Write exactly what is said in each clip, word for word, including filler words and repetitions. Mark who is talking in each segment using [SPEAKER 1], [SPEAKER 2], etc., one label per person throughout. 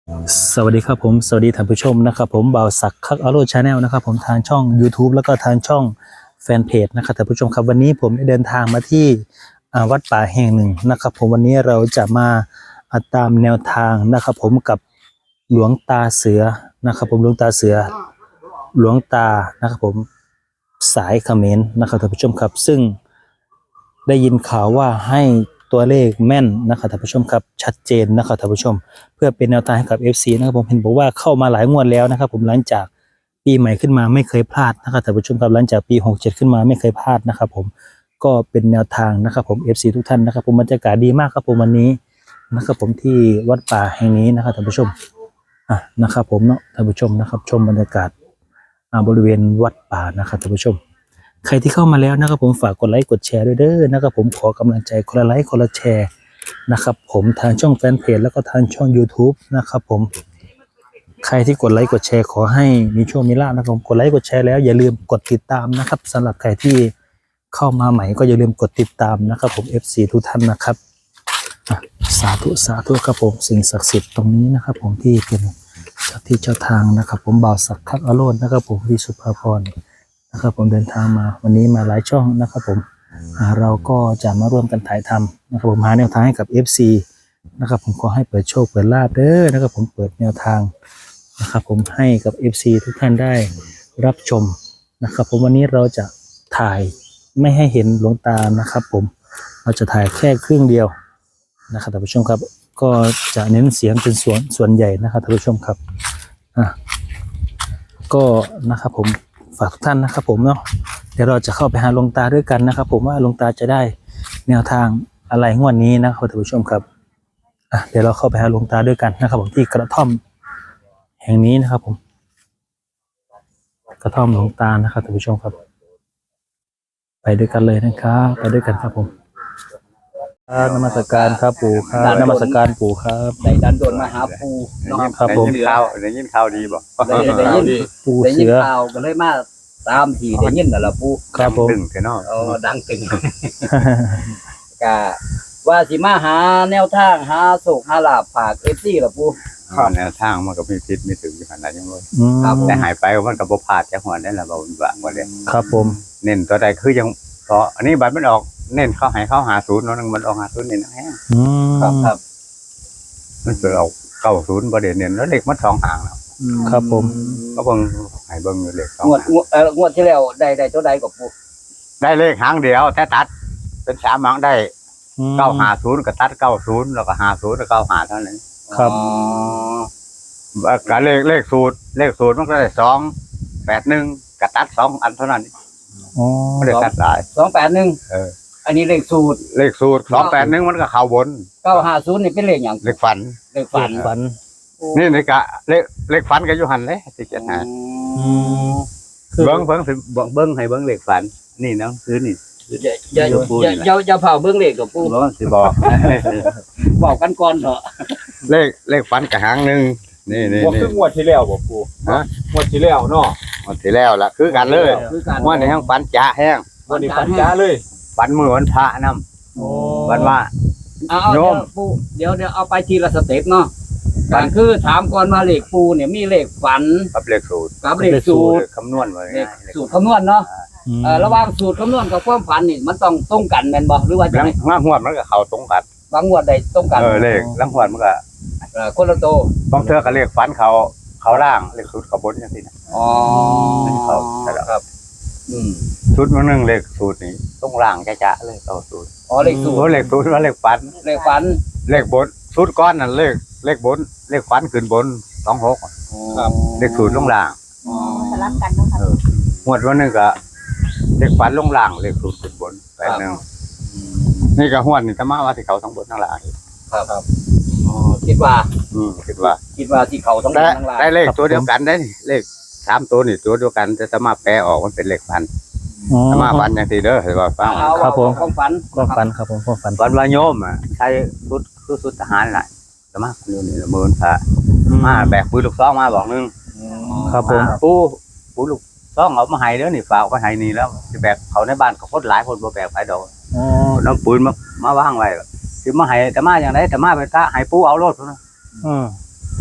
[SPEAKER 1] สวัสดีครับผมสวัสดีท่านผู้ชมนะครับผมบ่าวศักดิ์คักอโรชาแนลนะครับผมทางช่อง YouTube แล้วก็ทางช่องแฟนเพจนะครับท่านผู้ชมครับวันนี้ผมได้เดินทางมาที่วัดป่าแห่งหนึ่งนะครับผมวันนี้เราจะมาตามแนวทางนะครับผมกับหลวงตาเสือนะครับผมหลวงตาเสือหลวงตานะครับผมสายเขมรนะครับท่านผู้ชมครับซึ่งได้ยินข่าวว่าให้ตัวเลขแม่นนะครับท่านผู้ชมครับชัดเจนนะครับท่านผู้ชมเพื่อเป็นแนวทางให้กับ เอฟ ซี นะครับผมเห็นบอกว่าเข้ามาหลายงวดแล้วนะครับผมหลังจากปีใหม่ขึ้นมาไม่เคยพลาดนะครับท่านผู้ชมครับหลังจากปีหกเจ็ดขึ้นมาไม่เคยพลาดนะครับผมก็เป็นแนวทางนะครับผม เอฟ ซี ทุกท่านนะครับผมบรรยากาศดีมากครับผมวันนี้นะครับผมที่วัดป่าแห่งนี้นะครับท่านผู้ชมอ่ะนะครับผมเนาะท่านผู้ชมนะครับชมบรรยากาศบริเวณวัดป่านะครับท่านผู้ชมใครที่เข้ามาแล้วนะครับผมฝากกดไลค์กดแชร์ด้วยเด้อนะครับผมขอกำลังใจคนละไลค์คนละแชร์นะครับผมทางช่องแฟนเพจแล้วก็ทางช่อง YouTube นะครับผมใครที่กดไลค์กดแชร์ขอให้มีโชคมีลาภนะครับผมกดไลค์กดแชร์แล้วอย่าลืมกดติดตามนะครับสำหรับใครที่เข้ามาใหม่ก็อย่าลืมกดติดตามนะครับผม เอฟ ซี ทุกท่านนะครับสาธุสาธุครับผมสิ่งศักดิ์สิทธิ์ตรงนี้นะครับผมที่เป็นเจ้าที่เจ้าทางนะครับผมบ่าวศักดิ์คักอโรจน์นะครับผมที่สุภาพรนะครับผมเดินทางมาวันนี้มาหลายช่องนะครับผมเราก็จะมาร่วมกันถ่ายทำนะครับผมหาแนวทางให้กับ เอฟ ซี นะครับผมขอให้เปิดโชคเปิดลาภเด้อนะครับผมเปิดแนวทางนะครับผมให้กับ เอฟ ซี ทุกท่านได้รับชมนะครับผมวันนี้เราจะถ่ายไม่ให้เห็นหลวงตานะครับผมเราจะถ่ายแค่ครึ่งเดียวนะครับท่านผู้ชมครับก็จะเน้นเสียงเป็นส่วนส่วนใหญ่นะครับท่านผู้ชมครับอ่ะก็นะครับผมฝากทุกท่านนะครับผมเนาะเดี๋ยวเราจะเข้าไปหาหลวงตาด้วยกันนะครับผมว่าหลวงตาจะได้แนวทางอะไรงวดนี้นะครับท่านผู้ชมครับอ่ะเดี๋ยวเราเข้าไปหาหลวงตาด้วยกันนะครับผมที่กระท่อมแห่งนี้นะครับผมกระท่อมหลวงตานะครับท่านผู้ชมครับไปด้วยกันเลยนะครับไปด้วยกันครับผมนมัสการครับปู่ครับนมัสการปู่ครับ
[SPEAKER 2] ได้ดันโดนมาหาปูเนาะ
[SPEAKER 1] ครับผม
[SPEAKER 3] ได้ยินข่าวได้ยินข่าวดีบ่
[SPEAKER 2] ได้ได้ยิน
[SPEAKER 1] ปู่
[SPEAKER 2] ได้ยิ
[SPEAKER 1] เสื
[SPEAKER 2] น
[SPEAKER 1] อ
[SPEAKER 2] ข่าวก็เลยมาตามที่ได้ยินนั่นล่ะปู
[SPEAKER 1] ครับผม
[SPEAKER 3] ตึงแค่นอก
[SPEAKER 2] เออดังตึงกะว่าสิมาหาแนวทางหาโศกหาลาภฝาก เอฟ ซี ล่ะปู
[SPEAKER 3] แนวทางมันก็มีพิษมีถึงอยู่ขนาดยังเลย
[SPEAKER 1] อืม
[SPEAKER 3] แต่หายไปมันก็บ่พลาดจักหัวได้ล่ะบ่บ่บ่ได้
[SPEAKER 1] ครับผม
[SPEAKER 3] เน้นตัวใดคือยังเพราะอันนี้บัตรมันออกเน้นเข้าให้เข้าหาศูนย์เนาะมันออกหาศูนย์นี่นะแฮะ
[SPEAKER 1] อืม
[SPEAKER 2] ครับครับ
[SPEAKER 3] มันสิเอาเก้าศูนย์บ่ได้เน้นแล้วเลขมันสองหางแล้ว
[SPEAKER 1] ครับผม
[SPEAKER 3] ก็เบิ่งให้เบิ่งอยู่เลขสอง
[SPEAKER 2] งวด
[SPEAKER 3] หาง
[SPEAKER 2] งวดเอ่องวดที่แล้วได้ได้ตัวใดกับปู
[SPEAKER 3] ได้เลขหางเดียวแต่ตัดเป็นสามหางได้
[SPEAKER 1] อืม
[SPEAKER 3] เก้าห้าศูนย์ก็ตัดเก้าศูนย์แล้วก็ห้าศูนย์แล้วก็เก้าห้าเท่านั้น
[SPEAKER 1] ครับ
[SPEAKER 2] อ๋อ
[SPEAKER 3] ก็เลขเลขสูตรเลขสูตรมันก็ได้สองแปดหนึ่งก็ตัดสองอันเท่านั้น
[SPEAKER 1] อ๋อ
[SPEAKER 3] ไม่ได้ตัดหลาย
[SPEAKER 2] สองแปดหนึ่ง
[SPEAKER 3] เออ
[SPEAKER 2] อันนี้เลขสูตร
[SPEAKER 3] เลขสูตรสองแปดหนึ่งมันก็เข้าบน
[SPEAKER 2] เก้าห้าศูนย์นี่เป็นเลขหยัง
[SPEAKER 3] เลขฝัน
[SPEAKER 2] เลขฝัน
[SPEAKER 1] ฝัน
[SPEAKER 3] นี่นี่กะเลขเลขฝันก็อยู่หันเลยที่เจ็ดหา
[SPEAKER 2] อืม
[SPEAKER 3] เบิ้งเบิ้งสิเบิ้งเบิ้งให้เบิ้งเลขฝัน นี่เนาะคือนี่
[SPEAKER 2] อย่าอย่าอย่าอย่าอย่าเผาเบิ่งเลขกับปู
[SPEAKER 3] ร้อนสิบอก
[SPEAKER 2] บอกกันก่อนเถอะ
[SPEAKER 3] เลขเลขฝันกะหางหนึ่งนี่นี่
[SPEAKER 4] บ่
[SPEAKER 3] นี่
[SPEAKER 4] คืองวดที่แล้วบ่ปู
[SPEAKER 3] ฮะ
[SPEAKER 4] งวดที่แล้วเนาะ
[SPEAKER 3] หมดที่แล้วล่ะคือกันเลย
[SPEAKER 2] คือการ
[SPEAKER 3] ว่าในห้างฝันจ้าแห้ง
[SPEAKER 4] งวดนี้ปัญญาเลย
[SPEAKER 3] ฝันมือวันพระน
[SPEAKER 4] โอ้
[SPEAKER 3] ำฝันว่า
[SPEAKER 2] เอาเอา
[SPEAKER 3] โย
[SPEAKER 2] เดี๋ยว
[SPEAKER 3] ม
[SPEAKER 2] ปูเดี๋ยวเดี๋ยวเอาไปทีละสเต็ปเนาะ
[SPEAKER 3] ฝั
[SPEAKER 2] กาน รคือถามก่อนว่าเลขปูเนี่ยมีเลขฝัน
[SPEAKER 3] กับเลขสูตร
[SPEAKER 2] กับเลขสูตร
[SPEAKER 3] คำนวณไว้
[SPEAKER 2] เลข
[SPEAKER 3] ง่ายเลข
[SPEAKER 2] สูตรคำนวณเนาะ
[SPEAKER 1] อืม
[SPEAKER 2] เอ่อระหว่างสูตรคำนวณกับความฝันนี่มันต้องตรงกันแม่นบ่หรือว่าจะ
[SPEAKER 3] ลัง
[SPEAKER 2] ไง
[SPEAKER 3] งางวดมันก็เข้าตรงกัน
[SPEAKER 2] บางงวดใดตรงกัน
[SPEAKER 3] เออเลขลังงวดมันก็
[SPEAKER 2] เอ่อคนละโต
[SPEAKER 3] บางเทื่อก็เลขฝันเขาเขาล่างเลขสูตรเขาบนจังซี่นะ
[SPEAKER 2] อ๋อ
[SPEAKER 3] ครับใช่แล้ว
[SPEAKER 2] ครับอืม
[SPEAKER 3] ชุดมันหนึ่งเลขสูตรนี้ต้องล่างจ้าๆเลยเอาสูตร
[SPEAKER 2] อ๋อเลขสูต
[SPEAKER 3] โอ้
[SPEAKER 2] ร
[SPEAKER 3] เลขสูตรว่าเลขฝัน
[SPEAKER 2] เลขฝัน
[SPEAKER 3] เลขบนสูตรก้อนนั่นเลขเลขบนเลขฝันขึ้นบนสองหก
[SPEAKER 2] ครับ
[SPEAKER 3] เลขสูตรลงล่าง
[SPEAKER 2] อ๋อ
[SPEAKER 5] สลับกันเนาะค่ะ
[SPEAKER 3] งวดวันหนึงก็เลขฝันลงล่างเลขสูตรขึ้นบนแปดหนึ่งนี่ก็หวดนี่จะมาว่าที่เขาทั้งบนทั้งล่าง
[SPEAKER 2] ครับครับอ๋อคิดว่า
[SPEAKER 3] อืมคิดว่า
[SPEAKER 2] คิดว่าที่เขาต้อง
[SPEAKER 3] ได้
[SPEAKER 2] ทั้งหลาย
[SPEAKER 3] ได้เลขตัวเดียวกันได้นี่เลขสามตัวนี่ตัวเดียวกันจะสามารถแปลออกมันเป็นเลขฝัน
[SPEAKER 1] อ๋อ
[SPEAKER 3] สามารถฝันอย่างที่เด้อเห็นว่าฟัง
[SPEAKER 2] เอา
[SPEAKER 1] ครับผม
[SPEAKER 2] ความฝัน
[SPEAKER 1] ความฝันครับผมความฝัน
[SPEAKER 3] ฝันว่าโยมอ่ะใช้ชุดคือชุดทหารแหละสามารถอยู่นี่ละหมื่นพระมาแบกปืนลูกซองมาบอกหนึง
[SPEAKER 1] ครับผม
[SPEAKER 3] ปูปูลูกซองเอามาให้เด้อนี่ฝากเอาไปให้นี่แล้วสิแบกเขาในบ้านเขาคนหลายคนบ่แบกไปดอก
[SPEAKER 1] อ๋อ
[SPEAKER 3] น้ำปืนมามาวางไว้สิมาให้แต่มาอย่างไรแต่มาเป็นกะให้ปูเอารถพุ่นนะ
[SPEAKER 1] อืม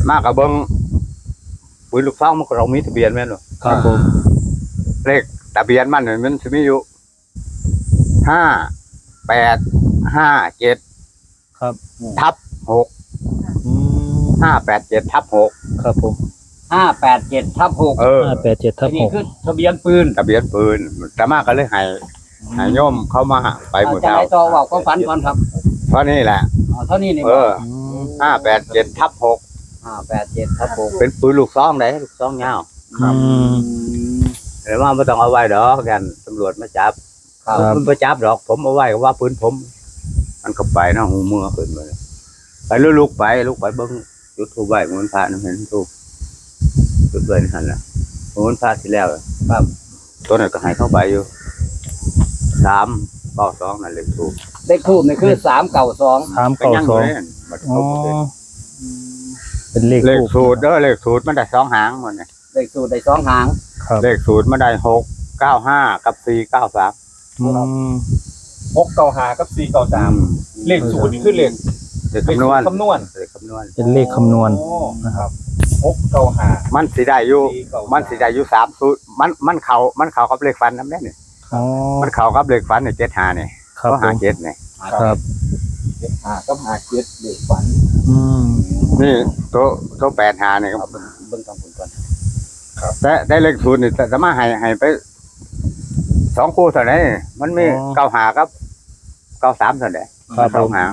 [SPEAKER 3] มากกับเบิ้งปืนลูกซองมันก็เรามีทะเบียนแม่นบ่
[SPEAKER 1] ครับผม
[SPEAKER 3] เลขทะเบียนมันเนี่ยมันจะมีอยู่ห้าแปดห้าเจ็ด
[SPEAKER 1] ครับ
[SPEAKER 3] ทับหก
[SPEAKER 1] อืม
[SPEAKER 3] ห้าแปดเจ็ดทับหก
[SPEAKER 1] ครับผม
[SPEAKER 2] ห้าแปดเจ็ดทับหก
[SPEAKER 3] เออ
[SPEAKER 1] ห้าแปดเจ็ดทับห
[SPEAKER 2] นี่
[SPEAKER 1] ก
[SPEAKER 2] คือทะเบียนปืน
[SPEAKER 3] ทะเบียนปืนแต่มากก็เลยให้ให้โยมเข้ามาไปหมด
[SPEAKER 2] จะ
[SPEAKER 3] แล้ว
[SPEAKER 2] ให้ต่อว่าก็ฝันก่อนครับ
[SPEAKER 3] เพราะนี่แหละ
[SPEAKER 2] อ๋อเท่านี้นี่
[SPEAKER 3] เอ
[SPEAKER 2] บ่
[SPEAKER 3] อห้าแปดเจ็ดทับหก
[SPEAKER 2] ห้าแปดเจ็ดทับหก
[SPEAKER 3] เป็นปืนลูกซองได้ลูกซองยาว
[SPEAKER 1] อืม
[SPEAKER 3] เดี๋ยวว่าไม่ต้องเอาไว้ดอกกันตำรวจมาจับ
[SPEAKER 2] ครับ
[SPEAKER 3] มันไปจับดอกผมเอาไว้ก็ว่าปืนผม มันก็ไปเนาะหูมือขึ้นมาเลยไปลุกๆไปลุกไปเบิ้งจุดทูบไหว้เหมือนพระนั่นเห็นทูบจุดไว้นั่นแหละเหมือนพระที่แล้วครับตัวนั้นก็ใหายเข้าไปอยู่สามเก้าสองนั่นเลยทูบ
[SPEAKER 2] เลขทูบนี่คือสามเก้าสอง
[SPEAKER 1] สาม
[SPEAKER 3] ก็
[SPEAKER 1] เก้า
[SPEAKER 3] ยัง
[SPEAKER 1] สอง
[SPEAKER 3] เลยมัน
[SPEAKER 1] อ๋อ
[SPEAKER 3] ครบเลย
[SPEAKER 1] เป็นเลข
[SPEAKER 3] เลข
[SPEAKER 1] ทูป
[SPEAKER 3] สูตรเด้อเลขสูตรมันได้สองหางหมดเนี่ย
[SPEAKER 2] เลขสูตรได้สองหาง
[SPEAKER 1] ครับ
[SPEAKER 3] เลขสูตรมันได้หกเก้าห้ากับสี่เก้าสาม
[SPEAKER 1] อืม
[SPEAKER 4] หกเก้าห้ากับสี่เก้าสามเลขศูนย์นี่คือเลข
[SPEAKER 3] เลขคำนวณ
[SPEAKER 4] คำนวณ
[SPEAKER 3] เลขคำนวณ
[SPEAKER 1] เป็นเลขคำนวณ
[SPEAKER 4] โอ้นะครับหกเก้าห้า
[SPEAKER 3] มันสีได้อยู่
[SPEAKER 4] สี่เก้าสา
[SPEAKER 3] มันสีได้อยู่สามสูตรมันมันเขามันเขากับเลขฟันน้ำเนี่ย
[SPEAKER 1] อ๋อ
[SPEAKER 3] มันเขากับเลขฟันเนี่ยเจ็ดหาเนี่ย
[SPEAKER 1] ครับ
[SPEAKER 3] เขา
[SPEAKER 1] ผ
[SPEAKER 3] หาม เจ็ดเนี่ย
[SPEAKER 1] ครับ
[SPEAKER 4] เจ็ดห้ากับห้าเจ็ดเลขฝัน
[SPEAKER 1] อืม
[SPEAKER 3] นี่ตัวตัวแปดหาเนี่ย
[SPEAKER 2] เอาเบิ่งเบิ่งทางคุณก่อน
[SPEAKER 3] แต่ได้เลขศูนย์นี่แต่สามารถให้ให้ไปสองคู่เท่านั้นมันมีเก้าหากับเก้าสามเท่านั้น
[SPEAKER 1] ครับ
[SPEAKER 3] ส
[SPEAKER 1] ผ
[SPEAKER 3] อง
[SPEAKER 1] ม
[SPEAKER 3] หาง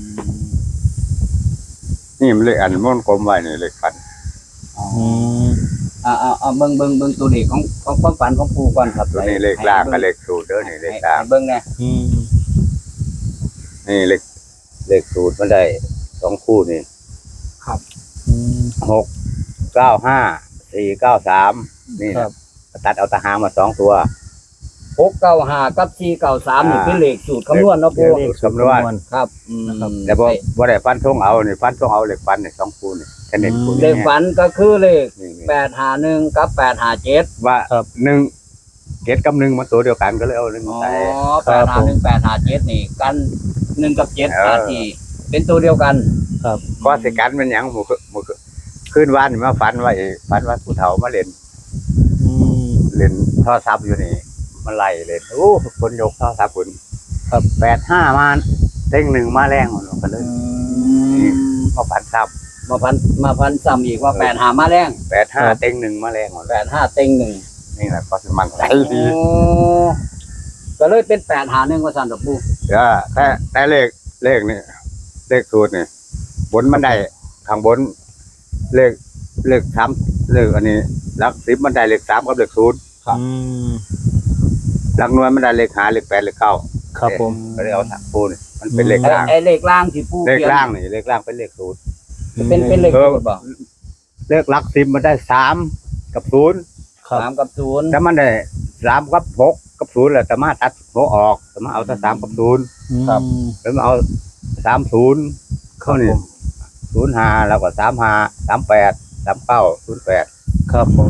[SPEAKER 3] นี่มันเลขอันมันกลมไว้นี่เลขฟัน
[SPEAKER 1] อืม
[SPEAKER 2] อ่าอ่าอ่าเบิ่งเบิ่งเบิ่งตัวเลขของของความฝันของปู่ก่อนครับ
[SPEAKER 3] ตัวนี้เลขล่างกับเลขศูนย์เด้อนี่เลขล่าง
[SPEAKER 2] ให้เบิ่งแน่
[SPEAKER 1] อืม
[SPEAKER 3] นี่เลขเลขศูนย์มันได้สองคู่นี่
[SPEAKER 1] อืม
[SPEAKER 3] หกเก้าห้าสี่เก้าสามนี่
[SPEAKER 1] ครั
[SPEAKER 3] นะ
[SPEAKER 1] บ
[SPEAKER 3] ตัดเอาตะหางมาสองตัว
[SPEAKER 2] หกเก้าห้ากับสี่เก้าสามนี่
[SPEAKER 3] อ่า
[SPEAKER 2] เป็นเลขสูตรคำนวณเนาะปู่
[SPEAKER 3] เลขคำนวณ
[SPEAKER 2] ครับอืม
[SPEAKER 3] แต่บ่บ่ได้ฟันทงเอานี่ฟันทงเอาเลขฟันนี่สองคู่นี่แค่นี้คู่
[SPEAKER 2] เล
[SPEAKER 3] นี่
[SPEAKER 2] ขฝันก็คือเลข
[SPEAKER 3] นี่นี่
[SPEAKER 2] แปดห้าหนึ่งกับแปดห้าเจ็ด
[SPEAKER 3] ว่าหนึ่งเกตกับหนึ่งมันตัวเดียวกันก็เลยเอาหนึ่ง
[SPEAKER 2] อ๋อ
[SPEAKER 3] ใส่
[SPEAKER 2] แปดห้าหนึ่งแปดห้าเจ็ดนี่กันหนึ่งกับเจ็ด
[SPEAKER 3] เออ
[SPEAKER 2] อาทีเป็นตัวเดียวกัน
[SPEAKER 1] ครับ
[SPEAKER 3] ก็สิกันมันหยังหมู่หมู่ขึ้นวานนี่มาฝันว่าเอฝันว่าผู้เฒ่ามาเล่น
[SPEAKER 1] อืม
[SPEAKER 3] เล่นโทรศัพท์อยู่นี่มันไล่เล่นโอ้คนยกโทรศัพท์คุณ
[SPEAKER 1] ครับ
[SPEAKER 3] แปดห้ามาเต็งหนึ่งมาแรงหมดก็เลยนี่มาฝันซ้
[SPEAKER 2] มาพันมาพันซ้ำอีกว่าแปดหามาแรง
[SPEAKER 3] ำแปดห้าเต็งหนึ่งมาแรงหมด
[SPEAKER 2] แปดห้าเต็งหนึ่ง
[SPEAKER 3] นี่แหละก็สิมันใจดี
[SPEAKER 2] โอ้ก็เลยเป็นแปดหาหนึ่งว่าสันดอกปู
[SPEAKER 3] เออแต่แต่เลขเลขนี่เลขสูตรนี่บนมันได้ข้างบน เลขเลขสามเลขอันนี้หลักสิบมันได้เลขสามกับเลขศูนย์
[SPEAKER 1] อืม
[SPEAKER 3] หลักหน่วยมันได้เลขห้าเลขแปดเลขเก้า
[SPEAKER 1] ครับผม
[SPEAKER 3] ก็เลยเอาสามคู่นี่มันเป็นเลข
[SPEAKER 2] ไอ้
[SPEAKER 3] ล่าง
[SPEAKER 2] ไอ้เลขล่างที่ปู
[SPEAKER 3] เลข
[SPEAKER 2] เขียน
[SPEAKER 3] ล่างนี่เลขล่างเป็นเลขศูนย์
[SPEAKER 2] เป็นเป็นเลข
[SPEAKER 3] เออ
[SPEAKER 2] สูตรบ่
[SPEAKER 3] เลขหลักสิบมันได้สามกับศูนย์
[SPEAKER 1] ครับ
[SPEAKER 2] สามกับศูนย์
[SPEAKER 3] ถ้ามันได้สามกับหกกับศูนย์แหละแต่มาตัดหกออกแต่มาเอาแต่สามกับศูนย์
[SPEAKER 1] ครับ
[SPEAKER 3] แล้วมาเอาสามศูนย์เข้านี่ศูนย์ห้าแล้วก็สามห้าสามแปดสามเก้าศูนย์แปด
[SPEAKER 1] ครับผม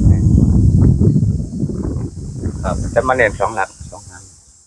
[SPEAKER 3] ครับแต่มาเน้นสองหลักสองหาง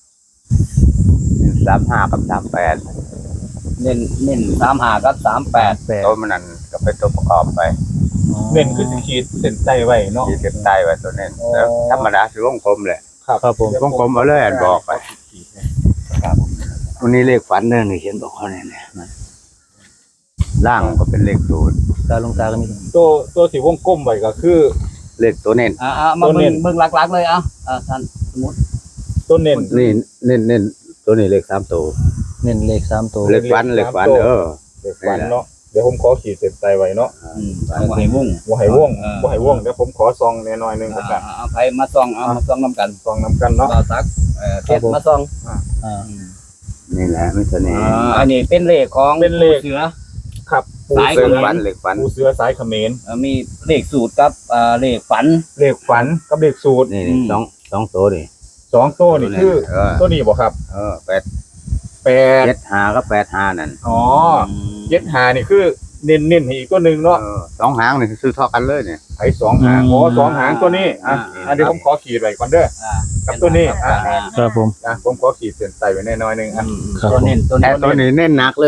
[SPEAKER 3] สามห้ากับสามแปด
[SPEAKER 2] เน้นเน้นสามหากับสามแปด
[SPEAKER 1] แปด
[SPEAKER 3] ตัวมันนั่นก็เป็นตัวประกอบไป
[SPEAKER 4] เน้นคือสิขีดเส้นใต้ไว้เนาะ
[SPEAKER 3] ขีดเส้นใต้ไว้ตัวเน้นแล้วธรรมดาคือวงกลมแหละ
[SPEAKER 1] ครับผม
[SPEAKER 3] วงกลมเอาเลยอันบอกไป
[SPEAKER 4] ขีดเนี่ย
[SPEAKER 3] วันนี้เลขฝันเนี่ยนี่เขียนบอกเขาเนี่ยเนี่ยมันล่างก็เป็นเลขศูนย์
[SPEAKER 1] ตาลงตาก็มี
[SPEAKER 4] ตัวตัวที่วงกลมไว้ก็คือ
[SPEAKER 3] เลขตัวเน้น
[SPEAKER 2] อ่าอ่ามา
[SPEAKER 4] ตัวเน้
[SPEAKER 2] เบิ่ง
[SPEAKER 4] น
[SPEAKER 2] เบิ่งหลักๆเลยเอ่ะอ่าท่านสมมติ
[SPEAKER 4] ตัวเน้น
[SPEAKER 3] นี่เน้นเน้นตัวนี้เลขสามตัว
[SPEAKER 1] เน้นเลขสามตัว
[SPEAKER 3] เลขฝันเลขฝันเออ
[SPEAKER 4] เลขฝันเนาะเดี๋ยวผมขอขีดเส้นใต้ไว้เนาะ
[SPEAKER 2] อืมบ่ให้วง
[SPEAKER 4] บ่ให้ว่อง
[SPEAKER 2] เออ
[SPEAKER 4] บ่ให้ว่องเดี๋ยวผมขอซองแน่น้อยหนึง
[SPEAKER 2] อ่า
[SPEAKER 4] แล้วกัน
[SPEAKER 2] อ่าเอาไปมาส่องเอามาส่องนํกัน
[SPEAKER 4] ซองนำกันเนาะ
[SPEAKER 2] เราซักเอ่อเทศมาส่อง
[SPEAKER 1] อ่า
[SPEAKER 3] นี่แหละไม่ตัวนี้
[SPEAKER 2] อ่าอันนี้เป็นเลขของ
[SPEAKER 4] เป็นเลข
[SPEAKER 2] เสือ
[SPEAKER 4] ครับปู
[SPEAKER 2] สาย
[SPEAKER 3] เล
[SPEAKER 4] เสื
[SPEAKER 3] ข
[SPEAKER 4] อ
[SPEAKER 3] ฝันเลขฝัน
[SPEAKER 4] ปูเสือสายเขมร
[SPEAKER 2] เอ่อมีเลขสูตรกับอ่าเลขฝัน
[SPEAKER 4] เลขฝันกับเลขสูตร
[SPEAKER 3] นี่
[SPEAKER 2] อื
[SPEAKER 3] นี่
[SPEAKER 2] ม
[SPEAKER 3] สองสองตัวนี่
[SPEAKER 4] สองตัวนี่คือ
[SPEAKER 3] เออ
[SPEAKER 4] ตัวนี้บ่ครับ
[SPEAKER 3] เออแปด
[SPEAKER 4] แปด
[SPEAKER 3] เจ็ดห้าก็แปดห้านั่น
[SPEAKER 4] อ๋อเจ็ดหานี่คือเน้นเน้นๆให้อีกตัวหนึ่งเนาะ
[SPEAKER 3] เออสองหางนี่ซื้อเท่ากันเลยเนี่ย
[SPEAKER 4] ไอ้สองหางอ๋อสองหางตัวนี้อ่ะอ่ะเดี๋ยวผมขอขีดไว้ก่อนเด้อ
[SPEAKER 2] อ่า
[SPEAKER 4] กับตัวนี้อ่ะ
[SPEAKER 1] ครับผม
[SPEAKER 4] นะผมขอขีดเส้นใต้ไว้แน่น้อยหนึงอ่ะ
[SPEAKER 2] อืม
[SPEAKER 1] ครับ
[SPEAKER 2] ตัวเน้นตัว
[SPEAKER 3] แต่
[SPEAKER 2] เน้น
[SPEAKER 3] ตัวนี้เน้นหนักเลยนี่
[SPEAKER 4] ต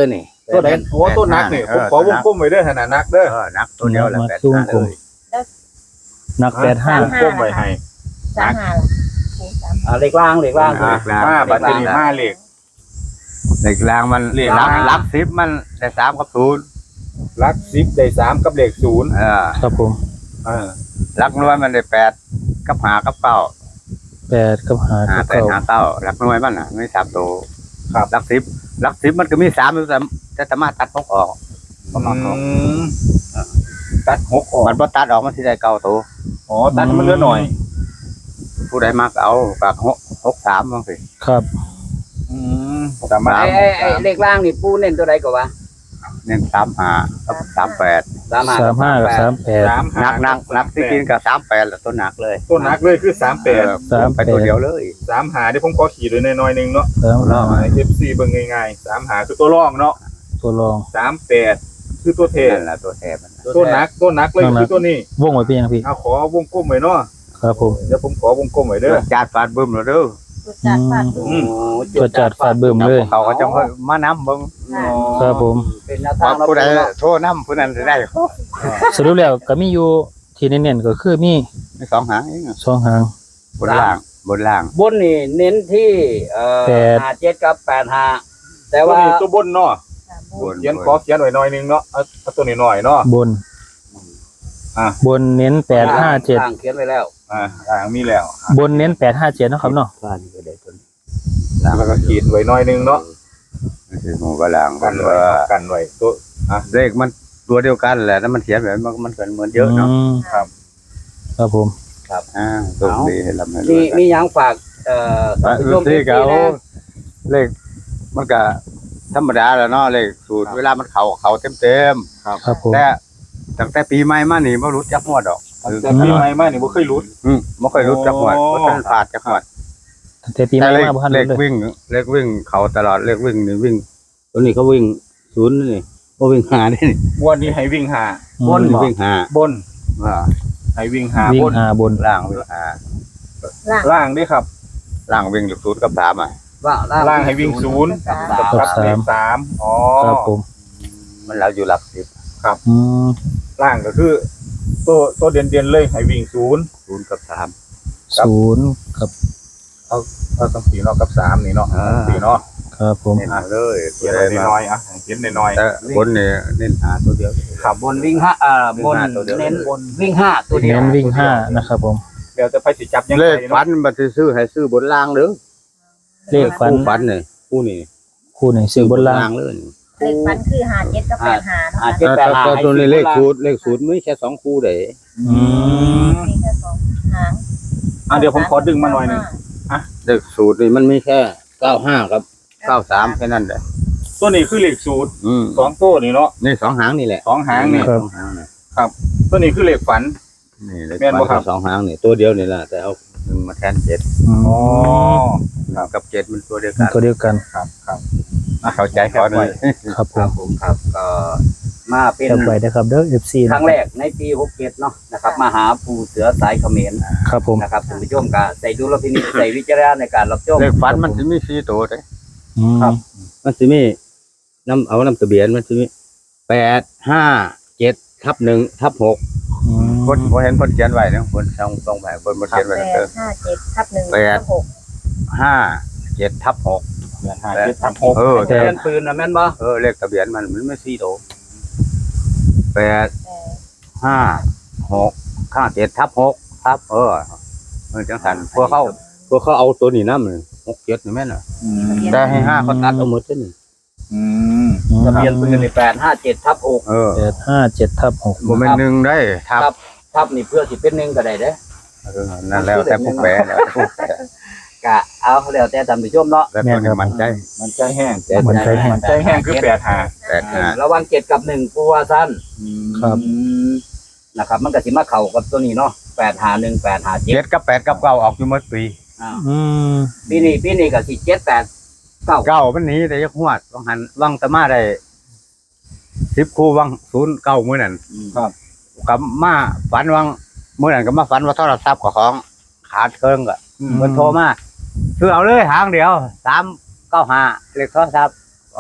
[SPEAKER 4] ตัวไหนโอ้ตัวนักนี่ผมขอวงกลมไว้เด้อขนาดนักเด้อ
[SPEAKER 3] เออนักตัวเดียวแหละ
[SPEAKER 1] มา
[SPEAKER 3] แปด
[SPEAKER 1] ตุ้ง
[SPEAKER 3] ห้าก
[SPEAKER 1] ลม
[SPEAKER 3] เลย
[SPEAKER 1] นักแปดห้า
[SPEAKER 4] วงกลมไว้ให้
[SPEAKER 5] สามห้าล่ะปูสาม
[SPEAKER 2] อ่าเลขล่างเลขล่าง
[SPEAKER 3] อ่า
[SPEAKER 4] มาบัตรนี้มาเลข
[SPEAKER 3] เหล็กรางมัน
[SPEAKER 4] เหล็ก
[SPEAKER 3] รั
[SPEAKER 4] ราง
[SPEAKER 3] กรักสิบมันได้สามกับศูนย์
[SPEAKER 4] ลักสิบได้สามกับเลขศูนย์
[SPEAKER 3] เออ
[SPEAKER 1] ครับผม
[SPEAKER 4] เออ
[SPEAKER 3] รักน้อยมันได้แปดกับหากับเก้า
[SPEAKER 1] แปดกับหา
[SPEAKER 3] หา
[SPEAKER 1] กับ
[SPEAKER 3] แปด
[SPEAKER 1] เก้า
[SPEAKER 3] หาเก้ารักน้อยมันอ่ะไม่สามตัวครับรักสิบรักสิบมันก็มีสามอยู่แต่จะสามารถตัดพกออกประมาณนั้น
[SPEAKER 4] อืมตัดหกออก
[SPEAKER 3] มันพอตัดออกมันที่ได้เก้าตัว
[SPEAKER 4] อ๋อตัดให้มันเหลือหน่อย
[SPEAKER 3] ผู้ใดมากเอาปากหกหกสามบ้างสิ
[SPEAKER 1] ครับ
[SPEAKER 4] อืมสามารถ
[SPEAKER 2] ไอ้ไอ้ไอ้เลขล่างนี่ปูเน้นตัวใดก็ว่า
[SPEAKER 3] เน้นสามหากับสามแปด
[SPEAKER 2] สามห้า
[SPEAKER 1] สามห้ากับสามแปด
[SPEAKER 4] สาม
[SPEAKER 3] หนักหนักหนักที่กินกับสามแปดแหละตัวหนักเลย
[SPEAKER 4] ตัวนักเลยคือสามแปด
[SPEAKER 3] เออ
[SPEAKER 1] สามแปด
[SPEAKER 3] ไปตัวเดียวเลย
[SPEAKER 4] สามหาที่ผมขอขีดไว้หน่อยๆหนึงเนาะ
[SPEAKER 1] สามห้า
[SPEAKER 4] เอฟซีเบิ่งง่ายๆสามหาคือตัวรองเนาะ
[SPEAKER 1] ตัวรอง
[SPEAKER 4] สามแปดคือตัวเท
[SPEAKER 3] นั่นแหละตัวแทนมัน
[SPEAKER 4] ตัวนักตัวนักเลยคือตัวนี้
[SPEAKER 1] วงไว้เป็นยังพี่
[SPEAKER 4] เอาขอวงกลมไว้เนาะ
[SPEAKER 1] ครับผม
[SPEAKER 4] เดี๋ยวผมขอวงกลมไว้เด้อ
[SPEAKER 3] จาดฟาดบึ้มเลยเด้อ
[SPEAKER 5] จุดจัดฟาดปู
[SPEAKER 2] โอ้
[SPEAKER 1] ตัวจัดฟาดเบิ่มเลย
[SPEAKER 3] เขาก็จะมาน้ำเบิ้ง
[SPEAKER 5] ค่ะ
[SPEAKER 1] ครับผม
[SPEAKER 2] เป็นแนว
[SPEAKER 3] เพ
[SPEAKER 2] ทาง
[SPEAKER 3] ราะผู้ใด
[SPEAKER 2] เนาะ
[SPEAKER 3] โทษน้ำผู้นั้นจะได้
[SPEAKER 1] สรุปแล้วก็มีอยู่ที่เน้นๆก็คือมี
[SPEAKER 3] มีสองหางเอง
[SPEAKER 1] สองหาง
[SPEAKER 3] บนล่างบนล่าง
[SPEAKER 2] บนนี่เน้นที่เอ่อ
[SPEAKER 1] แปด
[SPEAKER 2] ห้าเจ็ดกับแปดห้าแต่
[SPEAKER 4] ตัว
[SPEAKER 2] ว่า
[SPEAKER 4] นี้ตัวบนเนาะ
[SPEAKER 5] ค่ะ
[SPEAKER 3] บ
[SPEAKER 5] ปู
[SPEAKER 3] น
[SPEAKER 4] เขียนขอเขียนไว้หน่อยหนึงเนาะเอาเอาตัวนี้หน่อยเนาะ
[SPEAKER 1] บน
[SPEAKER 4] อ่ะ
[SPEAKER 1] บนเน้นแปดห้าเจ็ด
[SPEAKER 2] ล่างเขียนไว้แล้ว
[SPEAKER 4] อ่าอ่ามีแล้ว
[SPEAKER 1] บนเน้นแปดห้าเจ็ดเนาะครับเนาะ
[SPEAKER 3] บ้านนี่ก็ได้ตัวนี้
[SPEAKER 4] แล้วก็ขีดไว้หน่อยหนึงเนาะ
[SPEAKER 3] นี่คือหมู่กระล่าง
[SPEAKER 4] กันไว้กันไว้ตัว
[SPEAKER 3] เลขมันตัวเดียวกันแหละแล้วมันเขียนแบบมันมันเหมือนเยอะเนาะ
[SPEAKER 1] มครับผม
[SPEAKER 3] อ่าตัวดีให้ลำให้
[SPEAKER 2] มี
[SPEAKER 3] ด้วย
[SPEAKER 2] มีหยังฝากเอ่อ
[SPEAKER 3] อ่า
[SPEAKER 2] ท่าน
[SPEAKER 3] อื
[SPEAKER 2] ผู้
[SPEAKER 3] อ
[SPEAKER 2] ชม
[SPEAKER 3] ที่
[SPEAKER 2] ที่
[SPEAKER 3] เขา
[SPEAKER 2] นะ
[SPEAKER 3] เลขมันก็ธรรมดาแหล้วเนาะเลขสูตรเวลามันเขาเขาเต็มเต็ม
[SPEAKER 1] ครับผม
[SPEAKER 3] ๆแต่ตั้งแต่ปีใหม่มานี่ไม่รู้จักหวดดอก
[SPEAKER 4] แต่ปีใหม่มานี่บ่เคยรุด
[SPEAKER 3] อืมไม่เคยรู้จักหวด
[SPEAKER 4] โอ้
[SPEAKER 3] เพราะท่านผ่านจักหวด
[SPEAKER 1] แต่ปีให
[SPEAKER 3] แต่
[SPEAKER 1] ม่
[SPEAKER 3] เลข
[SPEAKER 1] มาบ่ทัน
[SPEAKER 3] เล
[SPEAKER 1] รู้
[SPEAKER 3] ข
[SPEAKER 1] เลย
[SPEAKER 3] วิ่งเลขวิ่งเขาตลอดเลขวิ่งนี่วิ่งตัวนี้เขาวิ่งศูนย์นี่เขาวิ่งหานี่
[SPEAKER 4] วันนี้ให้วิ่งหา
[SPEAKER 1] อืม
[SPEAKER 2] บน
[SPEAKER 3] นี่วิ่งหา
[SPEAKER 4] บน
[SPEAKER 3] อ่า
[SPEAKER 4] ให้วิ่งหา
[SPEAKER 1] วิ่
[SPEAKER 4] บ
[SPEAKER 1] ง
[SPEAKER 4] น
[SPEAKER 1] หาบน
[SPEAKER 3] ล่างวิ่งหา
[SPEAKER 5] ล่าง
[SPEAKER 4] ล่างด้วยครับ
[SPEAKER 3] ล่างวิ่งหลุดศูนย์กับสามอ่ะ
[SPEAKER 2] ว่า
[SPEAKER 4] ล่างให้วิ่งศูนย์
[SPEAKER 5] สาม
[SPEAKER 4] กับกับเลขสามอ๋อ
[SPEAKER 1] ครับผม
[SPEAKER 3] มันเราอยู่หลักสิบ
[SPEAKER 1] อืม
[SPEAKER 4] ล่างก็คือ ตัวตัวเด่นเด่นๆเลยให้วิ่งศูนย์
[SPEAKER 3] ศูนย์กับสาม
[SPEAKER 1] ศูนย์กับ
[SPEAKER 4] เอาต้องสี่เนาะกับสามนี่เนาะ
[SPEAKER 3] อ่า
[SPEAKER 4] สี่เนาะ
[SPEAKER 1] ครับผม
[SPEAKER 3] เน้นมาเลย
[SPEAKER 4] เขียนไว้น้อยๆอ่ะเขียนน้อย
[SPEAKER 3] แต่บนเนี่ยเน้นหาตัวเดียว
[SPEAKER 2] ขับบนวิ่งห้าอ่าบน
[SPEAKER 3] วิ่งห้าตัวเดียว
[SPEAKER 2] เน้นบนวิ่งห้าตัวเดียว
[SPEAKER 1] เน้นวิ่งห้านะครับผม
[SPEAKER 4] ๆเดี๋ยวจะไปสิจับยัง
[SPEAKER 3] เล
[SPEAKER 4] ไง
[SPEAKER 3] ขฟันมันจะซื้อให้ซื้อบนล่างหรือ
[SPEAKER 1] เลขฟัน
[SPEAKER 3] คู่ฟันเนี่ยคู่นี้
[SPEAKER 1] คู่หนึ่งซื้อบนล่าง
[SPEAKER 3] เลย
[SPEAKER 5] เลขฟันคือห้าเจ็ดกับแปดห้าเนาะ
[SPEAKER 2] ห้า
[SPEAKER 5] ค่ะ
[SPEAKER 2] เจ็ดแปดห้า
[SPEAKER 3] แต่ตัวนี้เลข
[SPEAKER 2] ให้
[SPEAKER 3] สู
[SPEAKER 2] ซื้อ
[SPEAKER 3] ตรเลขสูตรไม่แค่สองคู่เด้
[SPEAKER 1] อืม
[SPEAKER 5] มีแค่สองหาง
[SPEAKER 4] อ่ะเดี๋ยวผมขอดึงมาหน่อยหนึง
[SPEAKER 3] เลขสูตรนี่มันไม่แค่เก้าห้ากับเก้าสามแค่นั้นแหละ
[SPEAKER 4] ตัวนี้คือเลขสูตร
[SPEAKER 3] อืม
[SPEAKER 4] สองตัวนี่เนาะ
[SPEAKER 3] นี่สองหางนี่แหละ
[SPEAKER 4] สองหางนี่
[SPEAKER 3] สองหางนี่
[SPEAKER 4] ตัวนี้คือเลขฝัน
[SPEAKER 3] นี่เลข
[SPEAKER 4] แม่นบ่ครั
[SPEAKER 3] ฟั
[SPEAKER 4] บ
[SPEAKER 3] นสองหางนี่ตัวเดียวนี่แหละแต่เอาหนึ่งมาแทนเจ็ด
[SPEAKER 1] อืม
[SPEAKER 4] อ๋อ
[SPEAKER 3] หนึ่งกับเจ็ดมันตัวเดียว
[SPEAKER 1] มัน
[SPEAKER 3] กัน
[SPEAKER 1] ตัวเดียวกัน
[SPEAKER 4] ครับครับ
[SPEAKER 3] อ่ะเข้าใจขอหน่อย
[SPEAKER 1] ครับผ
[SPEAKER 2] ครั
[SPEAKER 1] ม
[SPEAKER 2] บผมครับก็มาเป็น
[SPEAKER 1] จำไว้นะครับเด้อ เอฟ ซี
[SPEAKER 2] ครั้งแรกในปีหกเจ็ดเนาะนะครับมาหาปูเสือสายเขมร
[SPEAKER 1] ครับผม
[SPEAKER 2] นะครับท่านผู้ชมก็ใส่ดูลพินิจใส่วิจารณญาณในการรับชม
[SPEAKER 3] เลขฟันมันจะมีสี่ตัวเด้
[SPEAKER 1] อืม
[SPEAKER 3] มันจะมีน้ำเอาน้ำทะเบียนมันจะมีแปดห้าเจ็ดทับหนึ่งทับหก
[SPEAKER 1] อืม
[SPEAKER 3] คนผมเห็นคนเขียนไว้นะคนช่องตรงไปคนมาเขียนไว้
[SPEAKER 5] แป
[SPEAKER 3] นะเอ
[SPEAKER 5] ด
[SPEAKER 3] อ
[SPEAKER 5] ห้าเจ็ดทับหนึ่ง
[SPEAKER 3] แปด
[SPEAKER 5] ทับหก
[SPEAKER 3] ห้าเจ็ดทับหก
[SPEAKER 4] แปดห้าเจ็ดทับหก
[SPEAKER 3] เออ
[SPEAKER 2] ทะเบียนปืนนะแม่นบ่
[SPEAKER 3] เออเลขทะเบียนมันมันไม่สี่ตัวแปด
[SPEAKER 5] แปด
[SPEAKER 3] ห้าหกห้าเจ็ดทับหกทับเออเออจังสันพวกเขาพวกเขาเอาตัวนี้น้ำเลยหกเจ็ดนี่แม่นอ่ะ
[SPEAKER 4] อืม
[SPEAKER 3] แต่ให้ห้าเขาตัดเอาหมดเลยนี่
[SPEAKER 4] อืม
[SPEAKER 2] ทะเบียนปืนนี่แปดห้าเจ็ดทับหก
[SPEAKER 3] เออ
[SPEAKER 1] แปดห้าเจ็ดทับหก
[SPEAKER 3] บ่แม่นหนึ่งได้ทับ
[SPEAKER 2] ครับ ทับนี่เพื่อสิเป็นหนึ่งก็ได้เด้อ
[SPEAKER 3] เออนั่นแล้วแต่ผู้แปลแล้วผู้แปล
[SPEAKER 2] กะเอาแล้วแต่ท่านผู้ชมเนาะ
[SPEAKER 3] แล้วตัวนี้มันใจ
[SPEAKER 4] มันใจแห้ง
[SPEAKER 1] มันใจแห้ง
[SPEAKER 4] มันใจแห้งคือแปดห้า
[SPEAKER 3] แปดห้า
[SPEAKER 2] ระหวังเจ็ดกับหนึ่งปูว่าสั้น
[SPEAKER 1] ครับ
[SPEAKER 2] อืมนะครับ มันก็สิมาเข้ากับตัวนี้เนาะแปดหาหนึ่งแปดหาเจ็
[SPEAKER 3] เจ็
[SPEAKER 2] ด
[SPEAKER 3] ดกับแปดกับเก้าออกอยู่หมดปี
[SPEAKER 1] อืม
[SPEAKER 2] ปีนี้ปีนี้ก็สิเจ็ดแปดเก้า
[SPEAKER 3] เก้ามันหนี้แต่ยักหวดวังหันวังตะมาได้สิบคู่วังศูนย์เก้ามื้อนั้น
[SPEAKER 4] ครับ
[SPEAKER 3] กับมาฝันวังมื้อนั้นก็มาฝันว่าโทรศัพท์กับของขาดเครื่องก็
[SPEAKER 4] อืม
[SPEAKER 3] เพิ่นโทรมาคือเอาเลยหางเดียวสามเก้าห้าเลขโทรศัพท์
[SPEAKER 4] ครับ
[SPEAKER 3] เ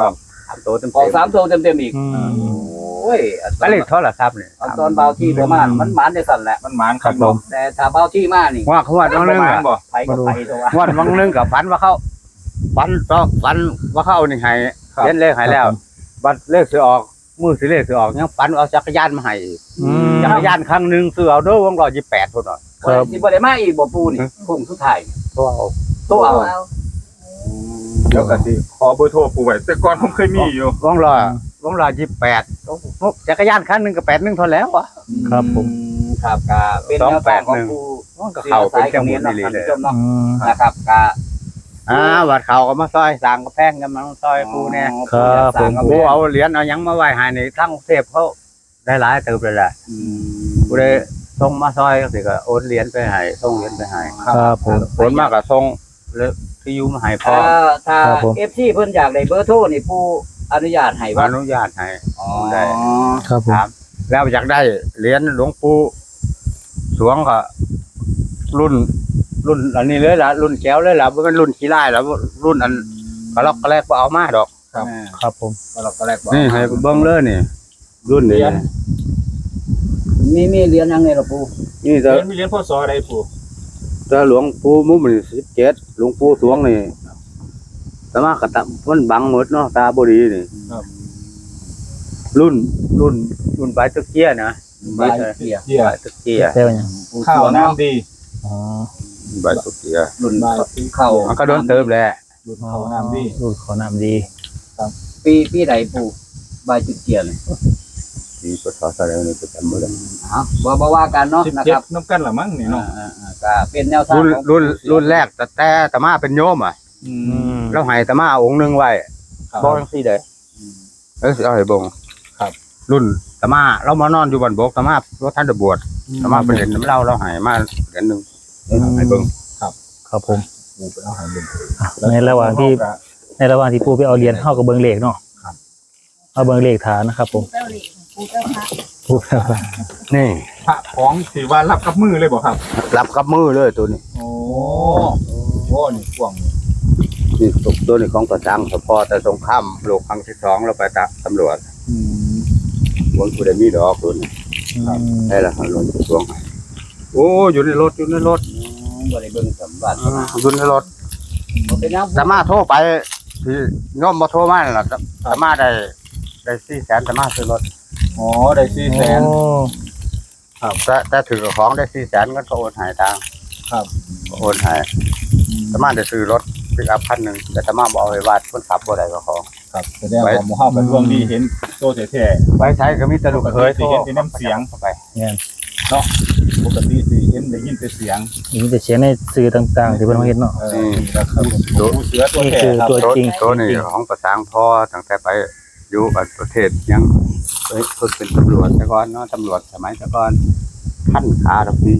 [SPEAKER 3] ามตัวเต็ม
[SPEAKER 2] ออกสามตัวเต็มๆอีก
[SPEAKER 1] อืม
[SPEAKER 2] โอ้ยอันต
[SPEAKER 3] ก็
[SPEAKER 2] อน
[SPEAKER 3] เลยโทรศัพท์เนี่ย
[SPEAKER 2] อันตอนเบาที่ประมาณมันหมานได้สั่นแหละ
[SPEAKER 4] มันหมาน
[SPEAKER 1] ครับผม
[SPEAKER 2] แต่ถ้าเบาที่มานี่
[SPEAKER 3] ว่าเขาว่าน้องนึง
[SPEAKER 4] หมาน
[SPEAKER 3] อะ
[SPEAKER 4] บ่
[SPEAKER 2] ไปก็ไปตัว
[SPEAKER 3] ว่าน้องนึงกับฝันว่าเขาฝันก็ฝันว่าเขานี่ให้เล่นเลขให้แล้ว บัตรเลขสิออกมือสิเลขสิออกยังฝันเอาจักรยานมาให้
[SPEAKER 1] อืม
[SPEAKER 3] จักรยานครั้งหนึงซื้อเอาเด้อวงร้อยยี่สิบแปดพุ่นน่ะ
[SPEAKER 1] ครับ
[SPEAKER 2] สิบ่ได้มาอีกบ่ปูนี่คงสุดท้าย
[SPEAKER 3] ตัวเอา
[SPEAKER 2] ตัวเอา
[SPEAKER 5] เอา
[SPEAKER 4] เดี๋ยวก็สิขอเบอร์โทรปู่ไว้แต่ก่อนผมเคยมีอยู่
[SPEAKER 3] วงร้อยวงร้อยยี่สิบแปดจักรยานครั้งหนึงก็แปดหนึงเท่าแล้วอ่ะ
[SPEAKER 1] ครับผม
[SPEAKER 2] ครับก็เป็นแนวทางของปู
[SPEAKER 3] มันก็เข้าเป็นจังหวะนี้เลย
[SPEAKER 2] ท่านผู้ชมเนาะ
[SPEAKER 1] อืม
[SPEAKER 2] นะครับก็
[SPEAKER 3] อ่าวัดเขาก็มาซอยสร้างกระแพงกันมาซอยกูเนี่ย
[SPEAKER 1] ครับผม
[SPEAKER 3] กูเอาเหรียญเอาหยังมาไหว้ให้นี่ทั้งกรุงเทพเขาได้หลายเติบเลยแหละกูได้ส่งมาซอยก็สิก็โอนเหรียญไปให้ส่งเหรียญไปให้
[SPEAKER 1] ครับผม
[SPEAKER 3] โอนมากก็ส่งแล้วที่อยู่มาให้พ่อ
[SPEAKER 2] ถ้าถ้า
[SPEAKER 1] ครับผม
[SPEAKER 2] เอฟซีเพิ่นอยากได้เบอร์โทรนี่ปูอนุญาตให้
[SPEAKER 3] อ
[SPEAKER 2] บ่
[SPEAKER 3] นุญาตให้
[SPEAKER 2] อ๋อ
[SPEAKER 3] ได้
[SPEAKER 1] ครับผม
[SPEAKER 3] ถามแล้วอยากได้เหรียญหลวงปู่สวงก็รุ่น รุ่นอันนี้เลยล่ะรุ่นแก้วเลยล่ะบ่แม่นรุ่นขี้ร้ายแล้วรุ่นอันกระลอกกระแลกบ่เอามาดอก
[SPEAKER 2] ครับ
[SPEAKER 1] ครับผม
[SPEAKER 2] เราก็แรกบอก
[SPEAKER 3] นี่ให้เบิ่งเลยนี่ รุ่นนี้
[SPEAKER 2] มีมีเหรียญยังไงล่ะปู
[SPEAKER 3] นี่
[SPEAKER 4] เห
[SPEAKER 3] จะ
[SPEAKER 4] รียญมีเหรียญพศอะไรปู่
[SPEAKER 3] จะหลวงปู่มุมนี่สิบเจ็ดหลวงปู่สวงนี่แต่ว่ากระตะมันบังหมดเนาะตาบ่ดีนี่รุ่นรุ่นรุ่นใบตะเกียนะ
[SPEAKER 2] ใบเกียร์
[SPEAKER 4] เจีย
[SPEAKER 3] ใบตะเกีย
[SPEAKER 1] เจ้าอย่าง
[SPEAKER 2] ปู
[SPEAKER 4] ข้า
[SPEAKER 2] ส
[SPEAKER 4] ว
[SPEAKER 2] วง
[SPEAKER 4] น้ำดี
[SPEAKER 1] อ๋อ
[SPEAKER 3] ใบตะเกีย
[SPEAKER 2] รุ่นเข้า
[SPEAKER 3] มันก็โดนเติมแหละ
[SPEAKER 4] ดูดข้าวน้ำดี
[SPEAKER 1] รูดขอน้ำดี
[SPEAKER 2] ปีปีใดปูใบจุดเกียร์นี่
[SPEAKER 3] ที่พศอะไรนี่ก็จำบ่ได้
[SPEAKER 2] อ๋อบ่บ่ว่ากันเนาะ
[SPEAKER 4] สิบ
[SPEAKER 2] นะ
[SPEAKER 4] เจ็
[SPEAKER 2] ค
[SPEAKER 4] ด
[SPEAKER 2] รับ
[SPEAKER 4] น้ำกันละมั้งนี่เนาะ
[SPEAKER 2] อ่าๆก็เป็นแนวทาง
[SPEAKER 3] รุ่น
[SPEAKER 2] ของ
[SPEAKER 3] รุ่นรุ่นแรกแต่แต่ตมาเป็นโยมอ่ะ
[SPEAKER 4] อื
[SPEAKER 1] อื
[SPEAKER 4] ม
[SPEAKER 1] ม
[SPEAKER 3] แล้วให้ตมาองค์หนึงไว้
[SPEAKER 4] ครับ
[SPEAKER 3] บ่จังซี่เด้เอ้ยสิเอาให้เบิ่ง
[SPEAKER 4] ครับ
[SPEAKER 3] รุ่นตมาเรามานอนอยู่บ้านบกตมาว่าท่านจะบวชตมาไปเล่นน้ำเหล้าเราให้มาเหรียญหนึงเอ้ยให้เบิ่ง
[SPEAKER 1] ครับผม
[SPEAKER 4] ปู่ไปเอาหาเงิน
[SPEAKER 1] อ่ะในระหว่างที่ในระหว่างที่ปู่ไปเอาเหรียญเข้ากับเบิงเลขเนาะเอาเบิงเลขฐานนะครับผม
[SPEAKER 5] เจ้าหลีปูเจ้าพระ
[SPEAKER 1] ปู่ครับ
[SPEAKER 3] นี่
[SPEAKER 4] พระของที่ว่ารับกับมือเลยบ่ครับ
[SPEAKER 3] รับกับมือเลยตัวนี้
[SPEAKER 4] โอ้โหนี่กว้าง
[SPEAKER 3] นี่ตัวตัวนี้ของประจังสพอแต่สงครามโลกครั้งที่สองเราไปตะตำรวจ
[SPEAKER 4] อืม
[SPEAKER 3] วนผู้ใดมีดอกตัวนี้
[SPEAKER 1] อืม
[SPEAKER 3] ได้ละหลวงปู่สวงให้โอ้อยู่ในรถอยู่ในรถ
[SPEAKER 2] บ่ได้เบิ่งสมบัติ
[SPEAKER 3] อ่าอยู่ในรถ
[SPEAKER 2] บ่เป็นหยัง
[SPEAKER 3] ตมาโทรไปที่โยมมาโทรมานั่นล่ะตมาได้ได้สี่แสนตมาซื้อรถ
[SPEAKER 4] อ๋อได้สี่แสน
[SPEAKER 1] โอ้
[SPEAKER 3] แต่แต่ถือของได้สี่แสนก็โอนใหายทาง
[SPEAKER 4] ครับ
[SPEAKER 3] โอนใหายตมาได้ซื้อรถปิกอัพคันหนึ่งแต่ตมาบอกเอาไว้ว่าคนขับบ่ได้ก็ขอ
[SPEAKER 4] ครับแสดงว่าหมู่เฮากันดวงดีเห็นโตแท้
[SPEAKER 3] ไว้ใช้ก็มีแตะลุกเคย
[SPEAKER 4] ปกติสิเห็นแต่น้ำเสียง
[SPEAKER 3] เข้าไป
[SPEAKER 4] ๆปกติสิเห็นได้ยินแต่เสียง
[SPEAKER 1] นี่จะเขียนในสื่อต่างๆที่เพิ่นมาเฮ็ดเนาะ
[SPEAKER 4] เออนี่นะครับปู่เสือตัว
[SPEAKER 1] นี่
[SPEAKER 4] แท้
[SPEAKER 1] คือ
[SPEAKER 4] ครับ
[SPEAKER 1] ตัวจริง
[SPEAKER 3] ตัวนี้ของประสางพ่อตั้งแต่ไปอยู่ประเทศยังเอ้ยเพิ่นเป็นตำรวจแต่ก่อนเนาะตำรวจสมัยแต่ก่อนท่านขาทับพี่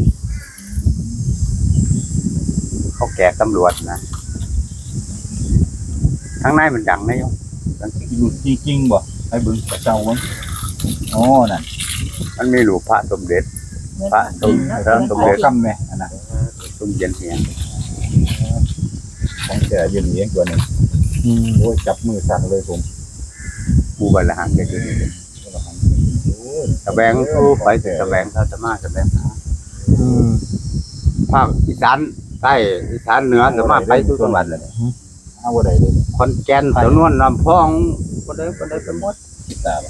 [SPEAKER 3] เขาแก่ตำรวจนะข้างในมันดังนะโยม
[SPEAKER 4] จริงๆบ่ให้เบิ่งกระเจ้าเบิ่งอ๋อนั่น
[SPEAKER 3] มันมีหลวงพระสมเด็จ
[SPEAKER 5] เหมือน
[SPEAKER 3] พระ
[SPEAKER 5] จริงเนาะ
[SPEAKER 3] พระสม
[SPEAKER 4] ขอ
[SPEAKER 3] เด็จ
[SPEAKER 4] กำแม่อันน่ะ
[SPEAKER 3] สมเย็นเหียง
[SPEAKER 4] ของแท้ยืนเลี้ยงตัวนี้
[SPEAKER 1] อืม
[SPEAKER 4] โอ้ยจับมือสั่นเลยผม
[SPEAKER 3] ผู้บริหารเด็กอยู่นี่ตะแบงผู้ไปถึงตะแบงเขาจะมาตะแบง
[SPEAKER 1] อืม
[SPEAKER 3] ภาคอีสานใต้อีสานเหนือจะมาไปทุกจังหวัดเลย
[SPEAKER 4] เอาบ่ได้เลย
[SPEAKER 3] ขอนแก่นสนวนลำพองก็ได้ก็ได้ไปหมด
[SPEAKER 4] ตา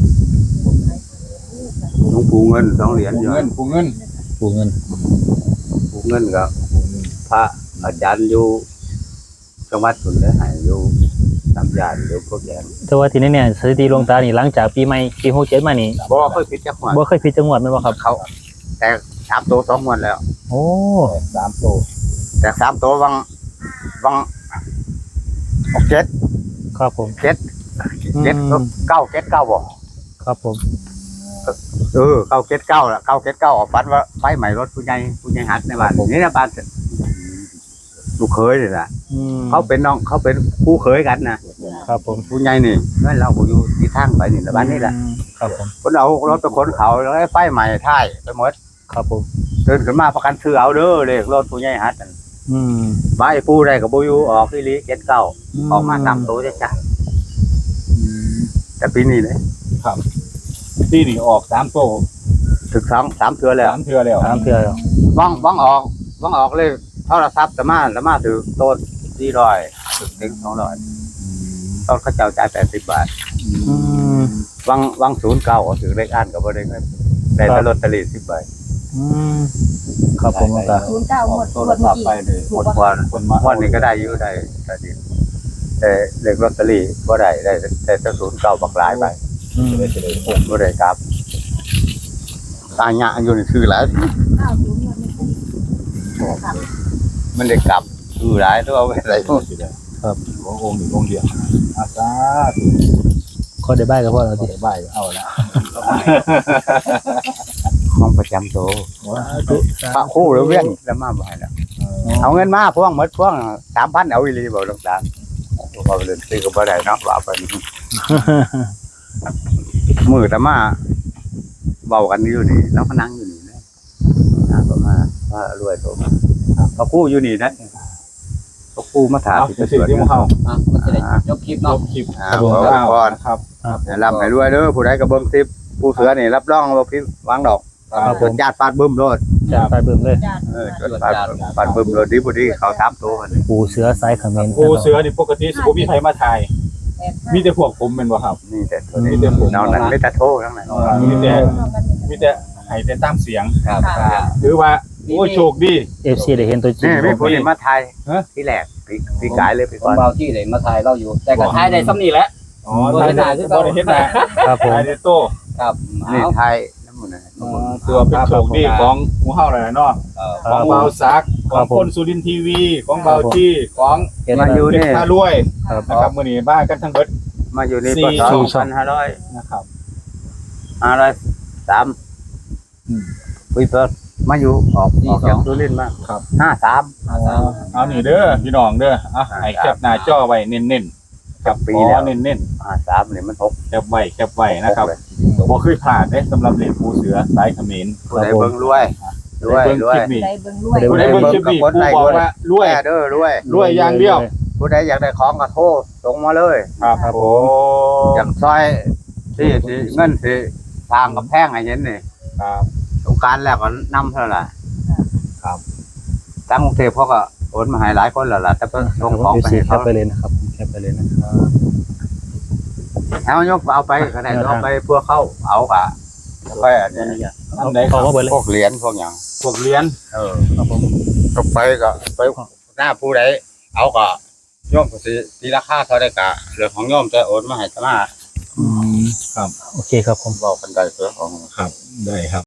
[SPEAKER 3] หลวงปู่เงินสองเหรียญ
[SPEAKER 4] ปู
[SPEAKER 3] อยู่
[SPEAKER 4] เงินปูเงิน
[SPEAKER 1] ปู่เงิน
[SPEAKER 3] ปู่เงินกับพระอาจารย์อยู่จังหวัดสุนทรหายอยู่สามยานอยู่พวกแยง
[SPEAKER 1] แต่ว่าทีนี้เนี่ยสถิติหลวงตานี่หลังจากปีใหม่ปีหกเจ็ดมานี่
[SPEAKER 3] บ่เคยผิดจักหวัด
[SPEAKER 1] บ่เคยผิดจังหวัดแม่นบ่ครับ
[SPEAKER 3] เขาแต่สามตัวสองงวันแล้ว
[SPEAKER 1] โอ้
[SPEAKER 4] สามโต
[SPEAKER 3] แต่สามตัววังวังหกเจ็ด
[SPEAKER 1] ครับผม
[SPEAKER 3] เจ็ดเจ็ด
[SPEAKER 1] อืม
[SPEAKER 3] เก้าเจ็ดเก้าบ่
[SPEAKER 1] ครับผม
[SPEAKER 3] เออเก้าเจ็ดเก้าละเก้าเจ็ดเก้าฝันว่าไฟใหม่รถผู้ใหญ่ผู้ใหญ่หัดในบ้านนี่นะบ้านลูกเคยนี่แหละ
[SPEAKER 1] อืม
[SPEAKER 3] เขาเป็นน้องเขาเป็นคู่เคยกันนะครับ
[SPEAKER 1] ผม
[SPEAKER 3] ผู้ใหญ่นี่นั่นเราบ่อยู่ที่ทางไปนี่ละบ้านนี่แหละ
[SPEAKER 1] อืมครับผม
[SPEAKER 3] คนเอารถไปขนเขาแล้วไอ้ไฟใหม่ท้ายไปหมด
[SPEAKER 1] ครับผม
[SPEAKER 3] เดินขึ้นมาประกันซื้อเอาเด้อเลขรถผู้ใหญ่หัดนั่น
[SPEAKER 1] อืม
[SPEAKER 3] บ้านไอ้ผู้ใดก็บ่อยู่ออกอีหลีเจ็ดเก้าออกมาตามตัวจ้ะจ้ะแต่ปีนี้เลย
[SPEAKER 4] ครับที่นี่ออกสามโต
[SPEAKER 3] ถึงสองสามเทือแล้ว
[SPEAKER 4] สามเทือแล้ว
[SPEAKER 1] สามเทื่อแล้ว
[SPEAKER 3] บ้องบ้องออกบ้องออกเลยโทรศัพท์แต่มาแต่มาถือต้นสี่ร้อยถึงสองร้อยต้นเขาเจ้าจ่ายแปดสิบบาท
[SPEAKER 1] อืม
[SPEAKER 3] วังวังศูนย์เก้าถือเลขอ่านกับบ่ได้เงินได้แต่ลอตเตอรี่สิบใบ
[SPEAKER 1] อืมครับผมก็
[SPEAKER 5] ศูนย์เก้าหมด
[SPEAKER 4] โท
[SPEAKER 5] หม
[SPEAKER 4] ร
[SPEAKER 5] ดเมื่
[SPEAKER 4] ศั
[SPEAKER 5] อ
[SPEAKER 4] พท์
[SPEAKER 5] กี้
[SPEAKER 4] ไปเลย
[SPEAKER 3] หมดวัน
[SPEAKER 4] คนมา
[SPEAKER 3] วันนี้ก็ได้อยู่ได้แต่ดีแต่เลขลอตเตอรี่บ่ได้ได้แต่แต่ศูนย์เก้าบักหลายใบ
[SPEAKER 1] อืม
[SPEAKER 4] เลยจะได้หก
[SPEAKER 3] บ่ได้ครับตาหยะอยู่นี่คือหลาย
[SPEAKER 5] เก้าศูนย์หมดเมื่อกี้ครับ
[SPEAKER 3] มันได้กลับคือหลายตัวเอาไว้ไหน
[SPEAKER 4] สิได้ครับองค์หนึ่งองค์เดียวอาซาธุ
[SPEAKER 1] ข้อได้ใบกับพ่อเรา
[SPEAKER 4] เอา
[SPEAKER 1] ดิ
[SPEAKER 4] ได้ใบเอาละ
[SPEAKER 3] ห้องประจำโตวพระครู่หรือเวียนแล้วมาบ่ให้แล้วเอาเงินมาพวงหมดพวงสามพันเอาอีหลีบ่ต้องตามบ่เล่นซื้อก็บ่ได้เนาะว่าไปมือแต่มาเบากันอยู่นี่แล้วก็นั่งอยู่นี่นะอ่าก็มาว่ารวยโตมาพระครู่อยู่นี่นะพระครู่มาถาม
[SPEAKER 4] เอา
[SPEAKER 3] ที่
[SPEAKER 4] จะ
[SPEAKER 3] จะ
[SPEAKER 4] สิ
[SPEAKER 3] สวด
[SPEAKER 4] ที่มาเข้า
[SPEAKER 2] อ่ะมันจะได้จบคลิป
[SPEAKER 4] ล
[SPEAKER 2] เนาะ
[SPEAKER 4] บคลิป
[SPEAKER 3] อ่า
[SPEAKER 4] ครับ
[SPEAKER 3] ขอบคุณก่อน
[SPEAKER 4] ครับ
[SPEAKER 3] ให้ร่ำให้รวยเด้อผู้ใดก็เบิ่งคลิปผู้เสือนี่รับรองว่าพี่วางดอก
[SPEAKER 1] ครับผ
[SPEAKER 3] จ
[SPEAKER 1] ม
[SPEAKER 3] ดญาติปาดบึ้มโลด
[SPEAKER 1] จะไปเบิ่มเลย
[SPEAKER 5] จ้า
[SPEAKER 3] เออจดปาดปาดบึ้มโลดดีบ่ดีเขาตามตัวมัน
[SPEAKER 1] ปูเสือสายเขมร
[SPEAKER 4] โอ้เสือนี่ปกติสิบ่มีใครมาถ่าย
[SPEAKER 5] แปดห้า
[SPEAKER 4] มีแต่พวกผมเป็นบ่ครับ
[SPEAKER 3] นี่แต่ตัวนี้
[SPEAKER 4] มีแต่ผม
[SPEAKER 3] นอกนั้นไม่แต่โทษทั้งนั้น
[SPEAKER 4] มีแต่
[SPEAKER 5] รวมกันหมด
[SPEAKER 4] มีแต่ให้แต่ตามเสียง
[SPEAKER 2] ครับ
[SPEAKER 4] ถือว่าโอ้โชคดี
[SPEAKER 1] เอฟซีได้เห็นตัวจริง
[SPEAKER 3] นี่มีผู้นี่มาไทย
[SPEAKER 4] ฮะ
[SPEAKER 3] ที่แรกพี่พี่กายเลยพี่
[SPEAKER 2] ข
[SPEAKER 3] ก่
[SPEAKER 2] อ
[SPEAKER 3] องน
[SPEAKER 2] เบาที่ไหนมาถ่ายเราอยู่ แต่ก็ถ่ายได้ซ้ำนี่แหละ
[SPEAKER 4] อ๋อถ่ายได้บ่ได้เฮ็ดหน้า
[SPEAKER 1] ครับผม
[SPEAKER 4] ถ่ายได้โต
[SPEAKER 2] ครับ
[SPEAKER 3] นี่
[SPEAKER 2] เอา
[SPEAKER 3] ไทยน้ำมันนะ
[SPEAKER 4] อ๋อตัวเป็นโชคดีของหมู่เฮานั่นแหละเนาะ
[SPEAKER 2] เออ
[SPEAKER 4] ของเบาซักของคนสุรินทร์ทีวีของเบาจี้ของ
[SPEAKER 1] เห็น
[SPEAKER 3] มาอยู่
[SPEAKER 4] เด็ก
[SPEAKER 3] นี่
[SPEAKER 4] พารวย
[SPEAKER 1] ครับ
[SPEAKER 4] นะครับมื้อนี้มากันทั้งเบิด
[SPEAKER 3] มาอยู่นี่
[SPEAKER 4] สี่
[SPEAKER 3] ปศ
[SPEAKER 1] สี่
[SPEAKER 3] สองพันห้าร้อย
[SPEAKER 4] นะครับ
[SPEAKER 3] ห้าร้อยสาม
[SPEAKER 4] อืม
[SPEAKER 3] คุยเปิดมาอยู่ออกออกจากสุรินทร์มา
[SPEAKER 4] ครับ
[SPEAKER 3] ห้าสาม
[SPEAKER 4] เอานี่เด้อพี่น้องเด้ออ่ะให้แคปหน้าจอไว้เน้นๆครับ
[SPEAKER 3] ปี
[SPEAKER 4] ปี
[SPEAKER 3] แล้
[SPEAKER 4] แล้ว วเน้น
[SPEAKER 3] ห้าสามนี่มันหก
[SPEAKER 4] ๆแคปไว้แคปไว้นะครับบ่เคยผ่านเด้สำหรับเหรียญปูเสือสายเขมร
[SPEAKER 3] ผู้ใดเบิ่งรวยรวย
[SPEAKER 4] เบิ่ง
[SPEAKER 3] รว
[SPEAKER 4] ค
[SPEAKER 3] ย
[SPEAKER 4] ลิปนี้
[SPEAKER 5] ได้เบิ่งรวย
[SPEAKER 4] ผู้ใดเบิ่งคลิปนี้ปูบอกว่ารวย
[SPEAKER 3] แม่เด้อรวย
[SPEAKER 4] รวยอย่างเดียว
[SPEAKER 3] ผู้ใดอยากได้ของก็โทรส่งมาเลย
[SPEAKER 4] ครับโอ้
[SPEAKER 3] อยากซอยที่ที่เงินที่ทางกับแพงอะไรเงี้ยนี่
[SPEAKER 4] ครับ
[SPEAKER 3] สงกรารแล้วก็นำเท่าไหร่
[SPEAKER 4] ครับ
[SPEAKER 3] ทางกรุงเทพเขาก็โอนมาให้หลายคนแล้วล่ะแต่เพิ่นส่งของ
[SPEAKER 1] เอฟ
[SPEAKER 3] ไป
[SPEAKER 1] ซี
[SPEAKER 3] ให้
[SPEAKER 1] แค
[SPEAKER 3] เขา
[SPEAKER 1] ปไปเลยนะครับแคปไปเลยนะครับ
[SPEAKER 3] เอายกเอาไปก็ได้เอาไปพวกเขาเอากะแล้วก็อันนี้
[SPEAKER 4] อันใดค
[SPEAKER 1] เขา
[SPEAKER 4] รับ
[SPEAKER 1] ก็เบิดเลย
[SPEAKER 3] พวกเหรียญพวกอย่าง
[SPEAKER 4] พวกเหรียญ
[SPEAKER 3] เออ
[SPEAKER 1] ครับผม
[SPEAKER 3] ก็ไปก็ไปหน้าผู้ใดเอาก็โยมก็สิตีราคาเท่าได้กะเรื่องของโยมจะโอนมาให้ตมา
[SPEAKER 1] อืม
[SPEAKER 4] ครับ
[SPEAKER 1] โอเคครับผม
[SPEAKER 3] บอกกันได้เพื่อของ
[SPEAKER 4] ครับได้ครับ